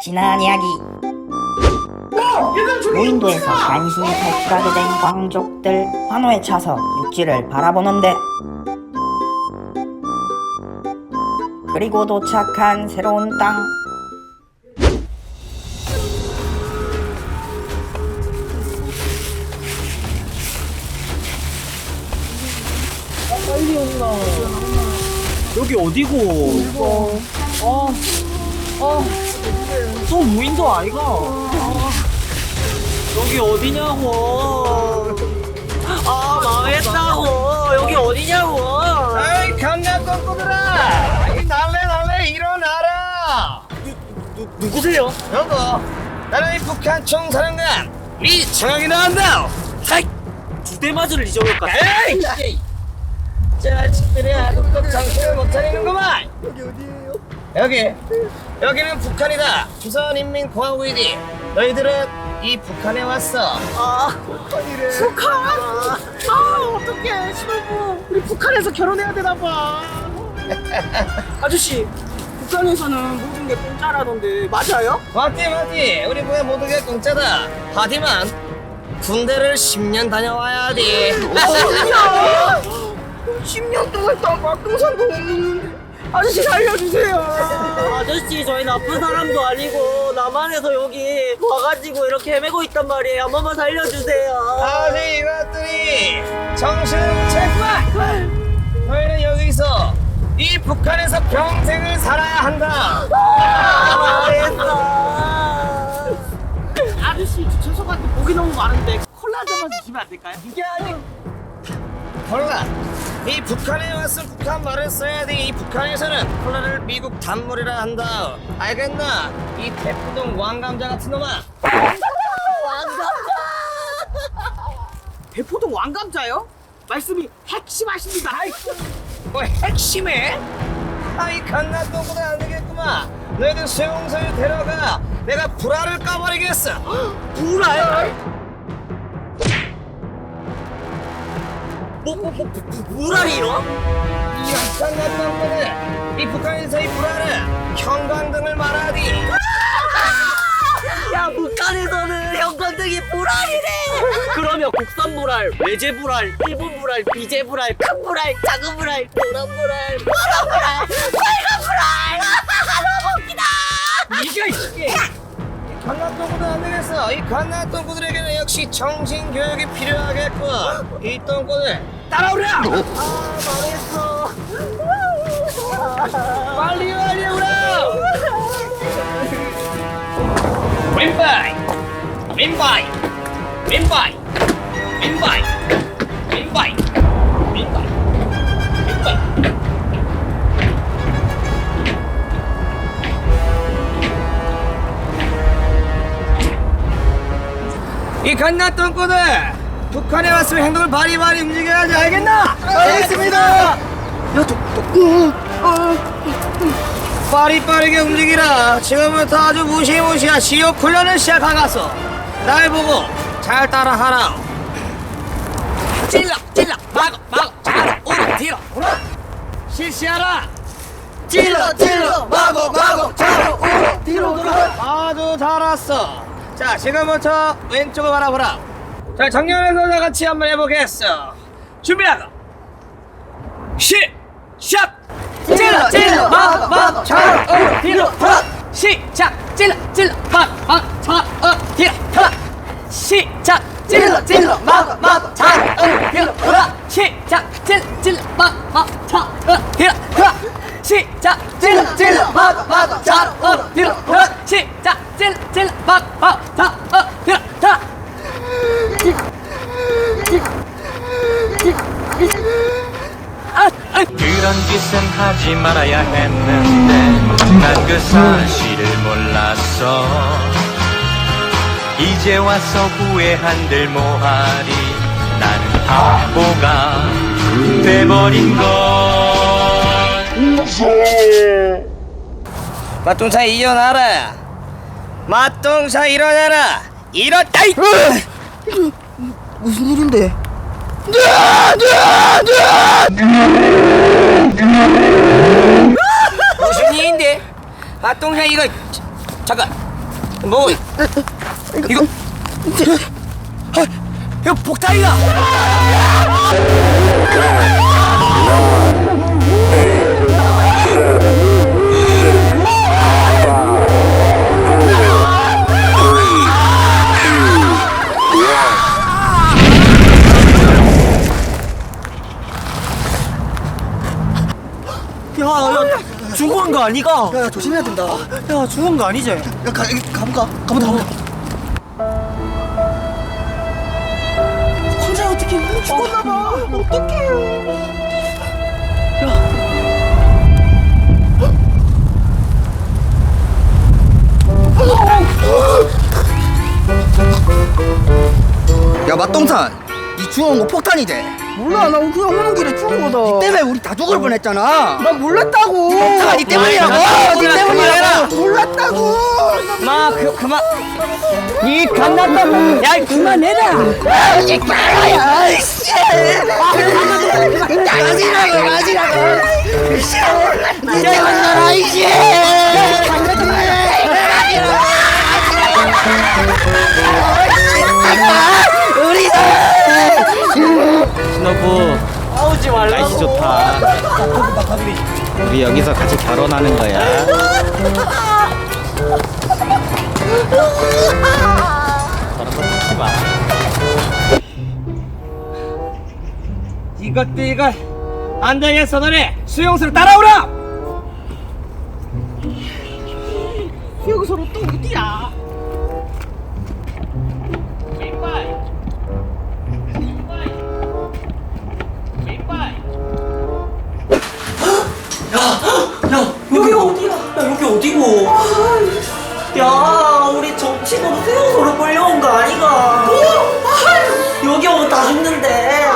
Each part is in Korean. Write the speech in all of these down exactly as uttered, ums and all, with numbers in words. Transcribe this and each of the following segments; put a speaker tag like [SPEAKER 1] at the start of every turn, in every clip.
[SPEAKER 1] 지난 이야기. 무인도에서 간신히 탈출하게 된 광족들 환호에 차서 육지를 바라보는데, 그리고 도착한 새로운 땅.
[SPEAKER 2] 빨리 온나. 여기 어디고? 이거. 아, 아, 또 무인도 아이가? 아, 여기 어디냐고? 아, 망했다고. 여기 어디냐고?
[SPEAKER 3] 아이 강남 꼼꼼들아, 이 날래 날래 일어나라.
[SPEAKER 2] 누, 누구세요?
[SPEAKER 3] 여보, 나는 이 북한 총사령관 이청학이 나온다.
[SPEAKER 2] 하이! 두 대 맞을 잊어버렸까?
[SPEAKER 3] 에이, 자식들이 아직도 정신을 못 차리는구만.
[SPEAKER 2] 여기 어디예요?
[SPEAKER 3] 여기, 여기는 북한이다. 조선인민공화국이지. 너희들은 이 북한에 왔어.
[SPEAKER 2] 아, 북한이래. 북한? 아, 아 어떡해. 신혼부. 우리 북한에서 결혼해야 되나봐. 아저씨, 북한에서는 모든 게 공짜라던데 맞아요?
[SPEAKER 3] 맞지 맞지. 우리 부에 모두 게 공짜다. 하지만 군대를 십 년 다녀와야 돼.
[SPEAKER 2] 야! 십 년 동안 다 막동산도 없는데 아저씨 살려주세요. 아저씨, 저희 나쁜 사람도 아니고 남한에서 여기 와가지고 이렇게 헤매고 있단 말이에요. 한 번만 살려주세요.
[SPEAKER 3] 아니 이것들이 정신을 못 차렸구만. 너희는 여기서 이 북한에서 평생을 살아야 한다.
[SPEAKER 2] 아, 망했어. 아저씨, 저 죄송한데 목이 너무 많은데 콜라 한 잔만 주시면 안 될까요?
[SPEAKER 3] 이게 아니 콜라. 이 북한에 왔으면 북한 말을 써야 돼. 이 북한에서는 콜라를 미국 단물이라 한다. 알겠나? 이 대포동 왕감자 같은 놈아.
[SPEAKER 2] 대포동 왕감자요? 말씀이 핵심하십니다.
[SPEAKER 3] 뭐 핵심해? 아이 갓난똥보다 안 되겠구만. 너희들 수용소에 데려가. 내가 불알을 까버리겠어.
[SPEAKER 2] 불알? 뭐, 뭐, 뭐, 불알이요?
[SPEAKER 3] 이 갓난똥보다 이 북한에서 이 불알은 형광등을 말하디.
[SPEAKER 2] 야, 북한에서는 형광등이 불알이래. 그러면 국산 불알, 외제 불알, 일본 불알, 비제 불알, 큰 불알, 작은 불알, 노란 불알, 파란 불알, 빨간 불알. 너무 웃기다.
[SPEAKER 3] 이게 이게 갓난똥보다 안 되겠어. 이 갓난똥구들에게는 역시 정신교육이 필요하겠군. 이 똥꼬들 따라오라.
[SPEAKER 2] 아, 망했어.
[SPEAKER 3] 빨리 빨리 오라. 왼바이 왼바이 왼바이 왼바이 왼바이 왼바이 왼바이. 이 갓난똥꼬들 북한에 왔으면 행동을 바리바리 움직여야지. 알겠나? 알겠습니다. 야, 저, 저, 어, 어. 빠리빠르게 움직이라. 지금부터 아주 무시무시한 시욕 훈련을 시작하겠어. 날 보고 잘 따라하라. 찔러 찔러 마고 마고 좌로 우로 뒤로 우로 실시하라. 찔러 찔러 마고 마고 좌로 우로 뒤로 돌아. 아주 잘했어. 자, 지금부터 왼쪽을 바라보라. 자, 정면에서 다 같이 한번 해보겠어. 준비하고 시작. 찔러 찔러 마고 마고 좌로 우로 뒤로 돌아. 시작. 찔러 찔러 마고 마고 좌로 뒤로 돌아. 시작. 찔러 찔러 마고 마고 좌로 우로 뒤로 돌아. 시작. 찔러 찔러 마고 마고 좌로 뒤로 돌아. 시작. 찔러 찔러 마고 마고 좌로 우로 뒤로 돌아. 시작. 찔러 찔러 마고 마고 좌로 뒤로 돌아.
[SPEAKER 4] 그런 짓은 하지 말아야 했는데 난 그 사실을 몰랐어. 이제 와서 후회한들 뭐하리. 나는 바보가 돼버린 걸.
[SPEAKER 3] 맛동사 일어나라. 맛동사 일어나라. 일어나. 이
[SPEAKER 2] 무슨 일인데?
[SPEAKER 3] 무슨 일인데? 맛동사 이거 잠깐. 뭐 이거 아, 이거 폭탄이다.
[SPEAKER 2] 야, 야, 죽은 거 아니가?
[SPEAKER 3] 야, 야 조심해야 된다.
[SPEAKER 2] 야, 죽은 거 아니지?
[SPEAKER 3] 야, 가, 여기 가볼까? 가보자, 가보자.
[SPEAKER 2] 혼자 어떻게 죽었나 봐. 어떡해.
[SPEAKER 3] 야, 맛동산, 이 주워온 거 폭탄이 돼.
[SPEAKER 2] 몰라, 나 그냥 오는 길에 죽은 거다.
[SPEAKER 3] 니 때문에 우리 다 죽을 뻔했잖아.
[SPEAKER 2] 나 몰랐다고.
[SPEAKER 3] 폭탄아, 니 때문이라고. 니 때문이라고.
[SPEAKER 2] 몰랐다고.
[SPEAKER 3] 마, 그, 그만. 이 갓났다고. 야, 그만해라.
[SPEAKER 2] 야, 씨.
[SPEAKER 3] 가지라고, 가지라고.
[SPEAKER 2] 야, 이씨.
[SPEAKER 5] 신호부
[SPEAKER 2] 싸우지 말라고.
[SPEAKER 5] 날씨 좋다. 우리 여기서 같이 결혼하는 거야. 저런 거 듣지 마.
[SPEAKER 3] 이것도 이거 안 되겠어. 너네 수용소로 따라오라.
[SPEAKER 2] 여기서로 또 어디야? 야, 여기 어디야? 야, 여기 어디고? 야, 우리 정치범 수용소로 끌려온 거 아니가? 여기 오면 다 죽는데.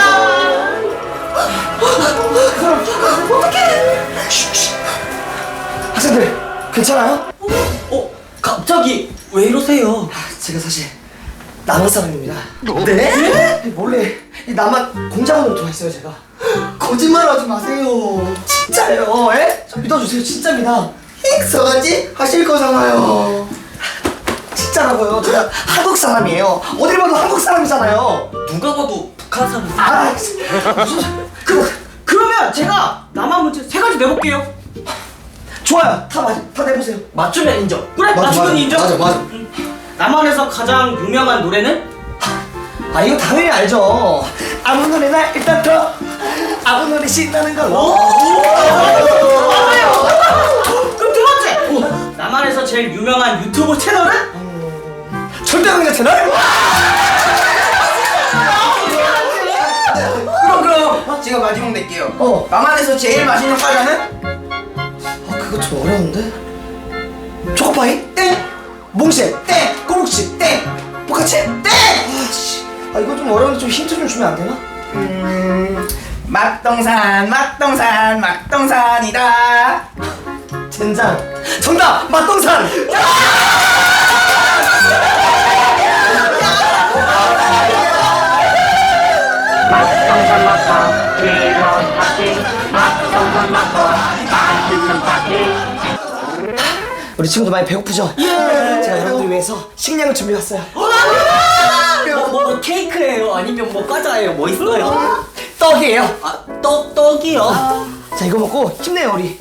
[SPEAKER 3] 학생들 괜찮아요?
[SPEAKER 2] 어, 갑자기 왜 이러세요?
[SPEAKER 3] 제가 사실 남한 사람입니다. 네? 몰래 이 남한 공작원으로 들어왔어요 제가. 거짓말하지 마세요. 진짜예요. 에? 저 믿어주세요. 진짜입니다. 서가지 하실 거잖아요. 진짜라고요. 제가 한국 사람이에요. 어딜 봐도 한국 사람이잖아요.
[SPEAKER 2] 누가 봐도 북한 사람.
[SPEAKER 3] 아, 무슨 그
[SPEAKER 2] 그러면 제가 남한 문제 세 가지 내볼게요.
[SPEAKER 3] 좋아요. 다 맞, 다 내보세요.
[SPEAKER 2] 맞추면 인정. 그래,
[SPEAKER 3] 맞아,
[SPEAKER 2] 맞추면
[SPEAKER 3] 맞아.
[SPEAKER 2] 인정.
[SPEAKER 3] 맞아, 맞아.
[SPEAKER 2] 남한에서 가장 유명한 노래는?
[SPEAKER 3] 아 이거 당연히 알죠. 아무 노래나 일단 들어. 아무 노래 신나는 걸로.
[SPEAKER 2] 그럼 두 번째! 남한에서 제일 유명한 유튜브 채널은?
[SPEAKER 3] 절대강자 채널?
[SPEAKER 6] 그럼 그럼 제가 마지막 낼게요.
[SPEAKER 3] 어.
[SPEAKER 6] 남한에서 제일 맛있는 과자는?
[SPEAKER 3] 아 그거 좀 어려운데? 초코파이? 땡! 몽쉘? 땡! 꼬북치? 땡! 포카치? 땡! 아씨 아 이거 좀 어려운데 좀 힌트 좀 주면 안 되나?
[SPEAKER 6] 음... 막동산 막동산 막동산이다.
[SPEAKER 3] 젠장 정답! 맛동산! 우리 친구들 많이 배고프죠? 예. 제가 여러분들 위해서 식량을 준비했어요.
[SPEAKER 2] 뭐, 뭐, 뭐 케이크예요? 아니면 뭐 과자예요? 뭐 있어요?
[SPEAKER 3] 떡이에요.
[SPEAKER 2] 아, 떡, 떡이요?
[SPEAKER 3] 자 이거 먹고 힘내요 우리.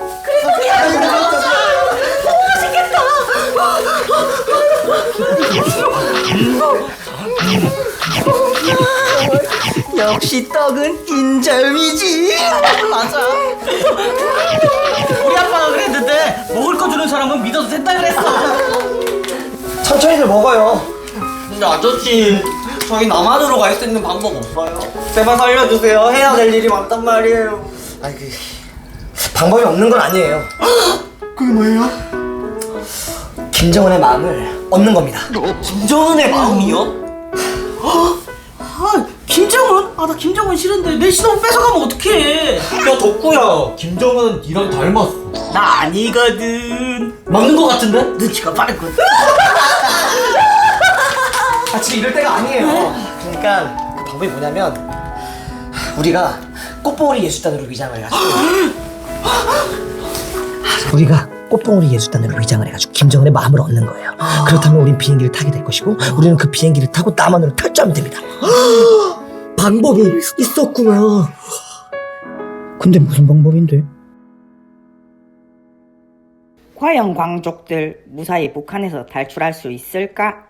[SPEAKER 2] 역시 떡은 인절미지. 맞아. 우리 아빠가 그랬는데 먹을 거 주는 사람은 믿어도 된다 그랬어.
[SPEAKER 3] 천천히들 먹어요.
[SPEAKER 2] 근데 아저씨, 저희 남한으로 갈 수 있는 방법 없어요? 제발 살려주세요. 해야 될 일이 많단 말이에요.
[SPEAKER 3] 아니 그 방법이 없는 건 아니에요.
[SPEAKER 6] 그게 뭐예요?
[SPEAKER 3] 김정은의 마음을 얻는 겁니다.
[SPEAKER 2] 김정은의 마음이요? 아, 김정은? 아, 나 김정은 싫은데 내 신혼 뺏어가면 어떡해? 야, 덕구야. 김정은 니랑 닮았어. 나 아니거든. 맞는 거 같은데? 눈치가 빠르거든.
[SPEAKER 3] 아 지금 이럴 때가 아니에요. 그러니까 그 방법이 뭐냐면 우리가 꽃봉오리 예술단으로 위장을 해가지고 우리가
[SPEAKER 7] 꽃봉오리 예술단으로 위장을 해가지고 김정은의 마음을 얻는 거예요. 그렇다면 우린 비행기를 타게 될 것이고 우리는 그 비행기를 타고 남한으로 탈주하면 됩니다. 방법이 있었구나. 근데 무슨 방법인데?
[SPEAKER 1] 과연 광족들 무사히 북한에서 탈출할 수 있을까?